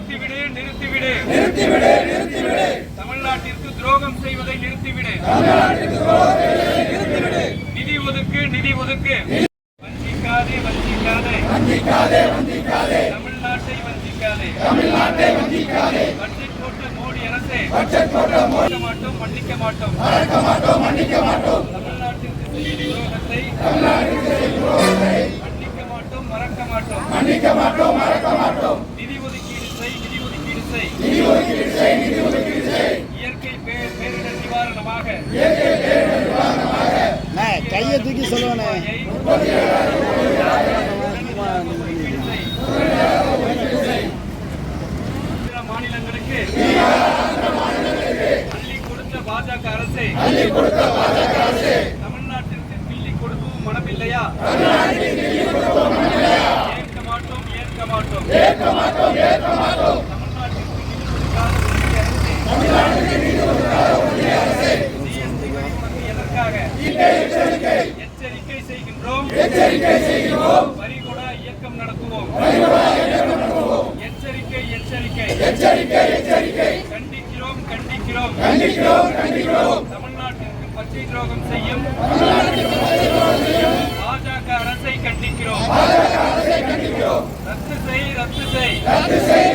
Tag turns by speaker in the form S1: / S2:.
S1: நிறுத்திவிடு நிறுத்திவிடு நிறுத்திவிடு நிறுத்திவிடு தமிழ்நாட்டிற்கு துரோகம் செய்வதை நிறுத்திவிடு நிதி ஒதுக்கு நிதி ஒதுக்கு வஞ்சிக்காதே வஞ்சிக்காதே வஞ்சிக்காதே வஞ்சிக்காதே தமிழ்நாட்டை வஞ்சிக்காதே தமிழ்நாட்டை வஞ்சிக்காதே பட்ஜெட் போட்ட மோடி அரசே பட்ஜெட் போட்ட மோடி மாட்டோம் மன்னிக்க மாட்டோம் மறக்க மாட்டோம் மன்னிக்க மாட்டோம் தமிழ்நாட்டிற்கு செய்த துரோகத்தை மன்னிக்க மாட்டோம் மறக்க மாட்டோம் மன்னிக்க மாட்டோம் மறக்க மாட்டோம் நிதி ஒதுக்கீடு செய் நிதி ஒதுக்கீடு செய் நிதி ஒதுக்கீடு செய் நிதி ஒதுக்கீடு செய் இயற்கை பேரிடர் நிவாரணமாக இயற்கை பேரிடர் நிவாரணமாக
S2: கையை தூக்கி சொல்லுவானே
S1: மாநிலங்களுக்கு அள்ளி கொடுத்த பாஜக அரசே தமிழ்நாட்டிற்கு கிள்ளி கொடுக்கவும் மனமில்லையா ஏற்க மாட்டோம் ஏற்க மாட்டோம் ஏற்க மாட்டோம் ஏற்க மாட்டோம் தமிழ்நாட்டிற்கு நிதி கொடுக்காத ஒன்றிய அரசே ஜிஎஸ்டி வரி எதற்காக எச்சரிக்கை செய்கின்றோம் வரிகொடா இயக்கம் நடத்துவோம் எச்சரிக்கை எச்சரிக்கை எச்சரிக்கை எச்சரிக்கை கண்டிக்கிறோம் கண்டிக்கிறோம் கண்டிக்கிறோம் கண்டிக்கிறோம் தமிழ்நாட்டிற்கு பச்சை துரோகம் செய்யும் பாஜக அரசை கண்டிக்கிறோம் ரத்து செய் ரத்து செய்